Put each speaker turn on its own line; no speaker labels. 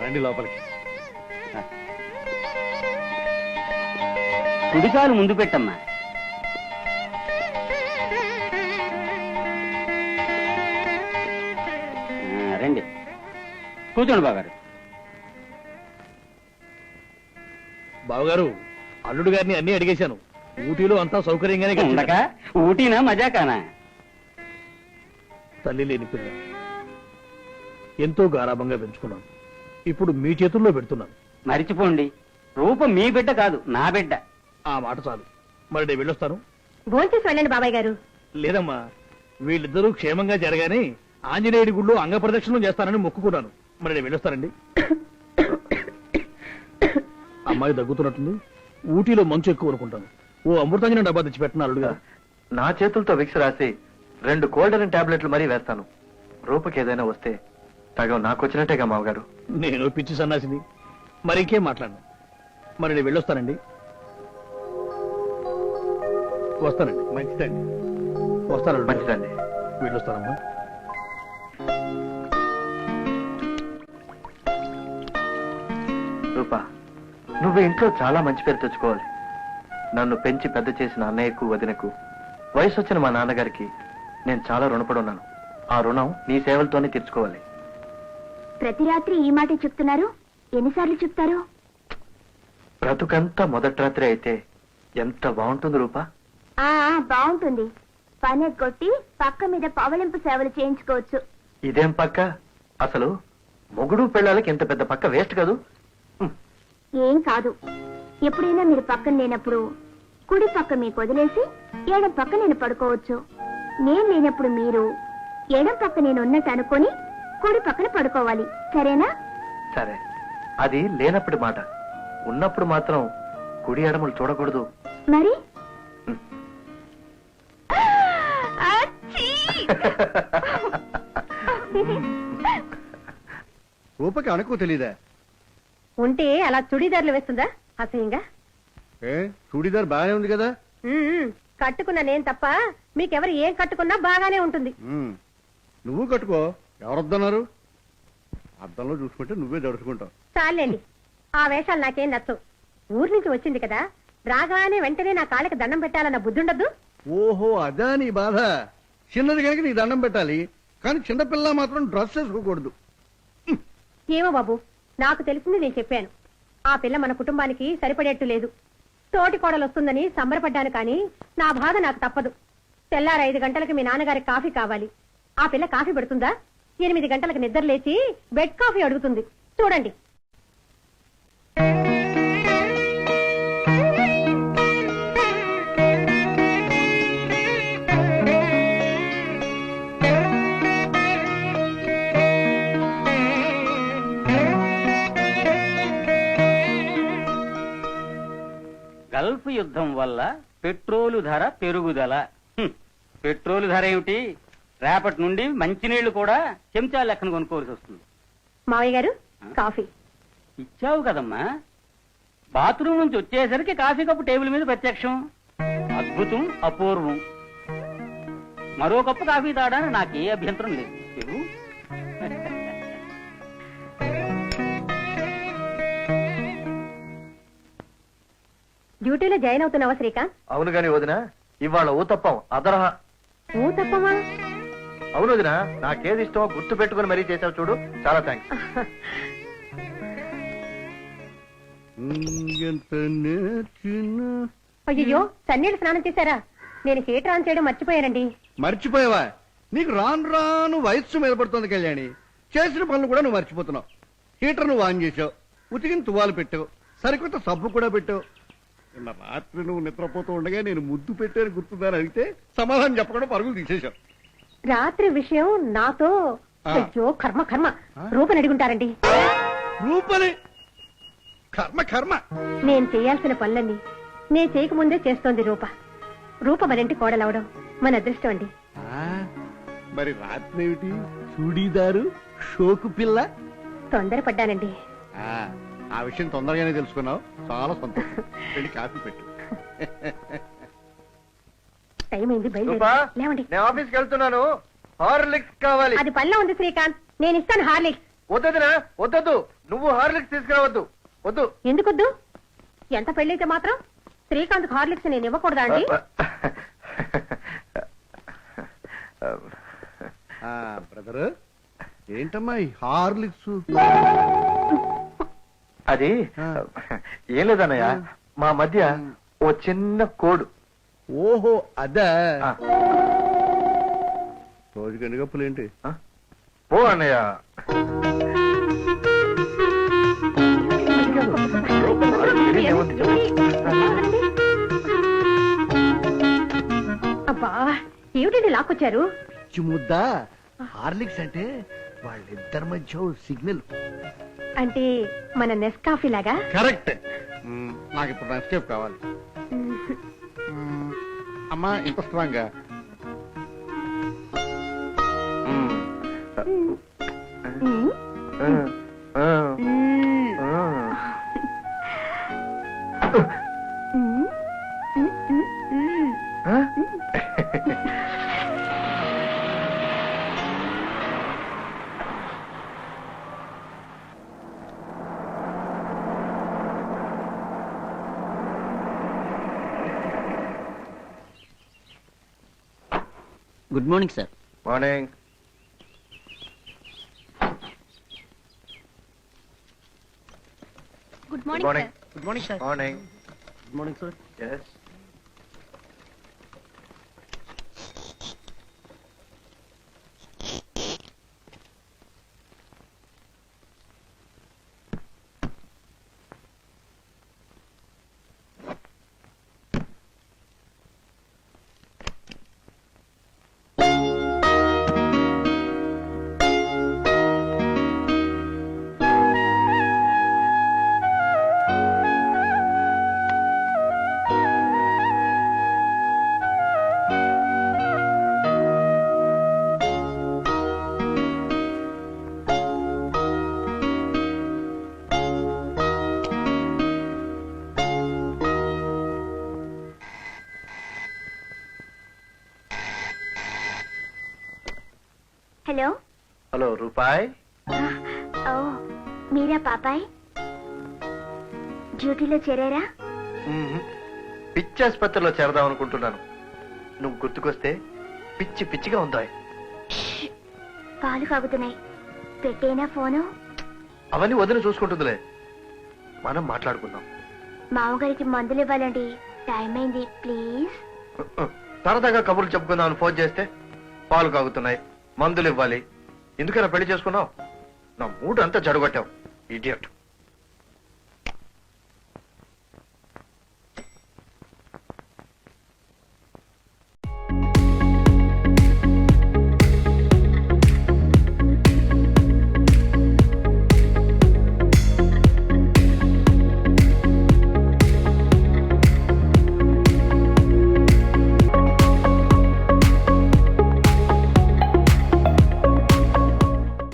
రండి లోపలికి.
కుడికాలు ముందు పెట్టమ్మా. రండి కూర్చోండి బాగారు.
బావగారు, అల్లుడు గారిని అన్ని అడిగేశాను. ఊటీలో అంతా సౌకర్యంగానే
ఉండక ఊటీనా మజాకానా?
తల్లి లేని పిల్ల ఎంతో గారాభంగా పెంచుకున్నాను. ఇప్పుడు మీ చేతుల్లో పెడుతున్నాను.
మరిచిపోండి, రూపం మీ బిడ్డ కాదు, నా బిడ్డ.
ఆ మాట చాలు. మరి నేను వెళ్ళొస్తాను.
భోంచేసి వెళ్ళండి బాబాయ్ గారు.
లేదమ్మా, వీళ్ళిద్దరూ క్షేమంగా జరగానే ఆంజనేయుడి గుళ్ళో అంగ ప్రదక్షిణం చేస్తానని మొక్కుకున్నాను. మరి నేను వెళ్ళొస్తానండి. అమ్మాయి దగ్గుతున్నట్టుంది. ఊటీలో మంచు ఎక్కువ అనుకుంటాను. ఓ అమృతాంజనం డబ్బా తెచ్చి పెట్టిన అల్లుడుగా.
నా చేతులతో విక్స్ రాసి 2 కోల్డెన్ టాబ్లెట్లు మరీ వేస్తాను. రూపకి ఏదైనా వస్తే సగం నాకు వచ్చినట్టేగా మామగారు.
నేను పిచ్చి సన్నాసిని, మరి ఇంకేం మాట్లాడను. మరి నేను వెళ్ళొస్తానండి. వస్తానండి.
మంచిదండి.
వస్తానండి.
మంచిదండి.
వెళ్ళొస్తానమ్మా.
రూపా, నువ్వు ఇంట్లో చాలా మంచి పేరు తెచ్చుకోవాలి. నన్ను పెంచి పెద్ద చేసిన అన్నయ్యకు, వదినకు, వయసు వచ్చిన మా నాన్నగారికి నేను చాలా రుణపడి ఉన్నాను. ఆ రుణం నీ సేవలతోనే తీర్చుకోవాలి.
ప్రతి రాత్రి ఈ మాట చెప్తున్నారు, ఎన్నిసార్లు చెప్తారు?
బ్రతుకంతా మొదటి రాత్రి అయితే ఎంత బాగుంటుంది రూపా.
బాగుంటుంది. పని కొట్టి పక్క మీద పవలింపు సేవలు చేయించుకోవచ్చు.
ఇదేం పక్క? అసలు మొగుడు పెళ్ళాలకి ఇంత పెద్ద పక్క వేస్ట్ కాదు.
ఏం కాదు. ఎప్పుడైనా మీరు పక్కన లేనప్పుడు కుడి పక్క మీకు వదిలేసి ఎడం పక్క నేను పడుకోవచ్చు. నేను లేనప్పుడు మీరు ఎడం పక్క నేను ఉన్నట్టు అనుకొని కుడి పక్కన పడుకోవాలి. సరేనా?
సరే. అది లేనప్పుడు మాట. ఉన్నప్పుడు మాత్రం కుడి ఎడమలు చూడకూడదు.
మరి
రూపకి అనుకో తెలీదా?
ఉంటే అలా చుడీదార్లు వేస్తుందా అసహ్యంగా?
చూడీదార్ బాగానే ఉంది కదా.
కట్టుకున్నా నేను తప్ప మీకెవరు ఏం కట్టుకున్నా బాగానే ఉంటుంది.
నువ్వు కట్టుకో, ఎవరొద్దన్నారు? అద్దంలో చూసుకుంటే నువ్వే దడుచుకుంటావు.
చాలండి, ఆ వేషాలు నాకేం నచ్చవు. ఊరి నుంచి వచ్చింది కదా, రాగానే వెంటనే నా కాళ్ళకి దండం పెట్టాలన్న బుద్ధి ఉండద్దు.
ఓహో, అదా నీ బాధ. చిన్నది కనుక నీ దండం పెట్టాలి, కానీ చిన్నపిల్ల మాత్రం డ్రెస్ వేసుకోకూడదు.
ఏమో బాబు, నాకు తెలిసింది నేను చెప్పాను. ఆ పిల్ల మన కుటుంబానికి సరిపడేట్టు లేదు. తోటి కోడలు వస్తుందని సంబరపడ్డాను, కానీ నా బాధ నాకు తప్పదు. తెల్లారు 5 గంటలకు మీ నాన్నగారికి కాఫీ కావాలి. ఆ పిల్ల కాఫీ పెడుతుందా? 8 గంటలకు నిద్ర లేచి బెడ్ కాఫీ అడుగుతుంది. చూడండి.
గల్ఫ్ యుద్ధం వల్ల పెట్రోలు ధర పెరుగుదల. పెట్రోలు ధర ఏమిటి, రేపటి నుండి మంచినీళ్లు కూడా చెంచా లెక్కన కొనుక్కోవాల్సి వస్తుంది.
మావయ్య గారు, కాఫీ
ఇచ్చావు కదమ్మా. బాత్రూమ్ నుంచి వచ్చేసరికి కాఫీ కప్పు టేబుల్ మీద ప్రత్యక్షం. అద్భుతం, అపూర్వం. మరో కప్పు కాఫీ తాగడానికి నాకే అభ్యంతరం లేదు.
డ్యూటీలో జాయిన్ అవుతున్నావా శ్రీకాంత్?
అవును గాని వదినా, ఇవాళ ఊతప్పం అదరహ.
ఊతప్పమా?
అవును వదినా, నాకేది ఇష్టమో గుర్తు పెట్టుకుని మరీ చేసావు చూడు. చాలా థ్యాంక్స్.
అయ్యో, చన్నీళ్ళు స్నానం చేశారా? నేను హీటర్ ఆన్ చేయడం మర్చిపోయానండి.
మర్చిపోయావా? నీకు రాను రాను వయస్సు మీద పడుతుంది కళ్యాణి. చేసిన పనులు కూడా నువ్వు మర్చిపోతున్నావు. హీటర్ నువ్వు ఆన్ చేసావు, ఉతికిన తువ్వాలు పెట్టావు, సరికొత్త సబ్బు కూడా పెట్టావు. నిన్న రాత్రి నువ్వు నిద్రపోతూ ఉండగా నేను ముద్దు పెట్టాను గుర్తుందని అడిగితే సమాధానం చెప్పకుండా పరుగులు తీసేశావు.
రాత్రి విషయం నాతో అయ్యో కర్మ కర్మ రూపని అడుగుంటారండి.
రూపని కర్మ కర్మ.
నేను చేయాల్సిన పనులన్నీ నేను చేయకముందే చేస్తోంది రూప. రూప మరింటి కోడలవడం మన అదృష్టం అండి.
మరి రాత్రి ఏమిటి చూడీదారు షోకు పిల్ల?
తొందరపడ్డానండి.
ఆ విషయం తొందరగానే తెలుసుకున్నావు, చాలా సంతోషం. వెళ్ళి కాఫీ పెట్టు.
టైం అయింది, బయలుదేరండి.
నేను ఆఫీస్కి వెళ్తున్నాను. హార్లిక్స్ కావాలి.
అది పనిలో ఉంది శ్రీకాంత్, నేను ఇస్తాను హార్లిక్స్.
వద్దదినా వద్దొద్దు, నువ్వు హార్లిక్స్ తీసుకురావద్దు, వద్దు.
ఎందుకొద్దు? ఎంత పెళ్ళైతే మాత్రం శ్రీకాంత్ హార్లిక్స్ నేను ఇవ్వకూడదా అండి?
బ్రదర్, ఏంటమ్మా ఈ హార్లిక్స్?
అది ఏం లేదన్నయ్య, మా మధ్య ఓ చిన్న కోడు.
ఓహో అదా,
ఆ,
రోజుకి ఎన్ని కప్పులేంటి?
ఓ అన్నయ్య.
అబ్బా, ఏమిటండి లాక్కొచ్చారు?
ముద్ద హార్లిక్స్ అంటే వాళ్ళిద్దరి మధ్య సిగ్నల్.
అంటే మన నెస్కాఫీ లాగా?
కరెక్ట్. నాకు ఇప్పుడు నెస్కేప్ కావాలి. అమ్మా ఇంత స్ట్రాంగ్ గా.
Good morning sir.
Morning.
Good
morning.
Good morning sir.
Morning.
Good morning sir.
Yes.
Hello.
Hello రూపాయ్.
ఓ మీరా పాపాయ్, డ్యూటీలో చేరారా?
పిచ్చి ఆసుపత్రిలో చేరదాం అనుకుంటున్నాను. నువ్వు గుర్తుకొస్తే పిచ్చి పిచ్చిగా ఉందా?
పాలు కాగుతున్నాయి, పెట్టేనా ఫోను?
అవన్నీ వదిలి చూసుకుంటుందిలే, మనం మాట్లాడుకుందాం.
మామగారికి మందులు ఇవ్వాలండి, టైం అయింది, ప్లీజ్.
సరదాగా కబుర్లు చెప్పుకుందామని ఫోన్ చేస్తే పాలు కాగుతున్నాయి, మందులు ఇవ్వాలి, ఎందుకైనా పెళ్లి చేసుకున్నావు? నా మూడు అంతా జడగొట్టావు, ఇడియట్.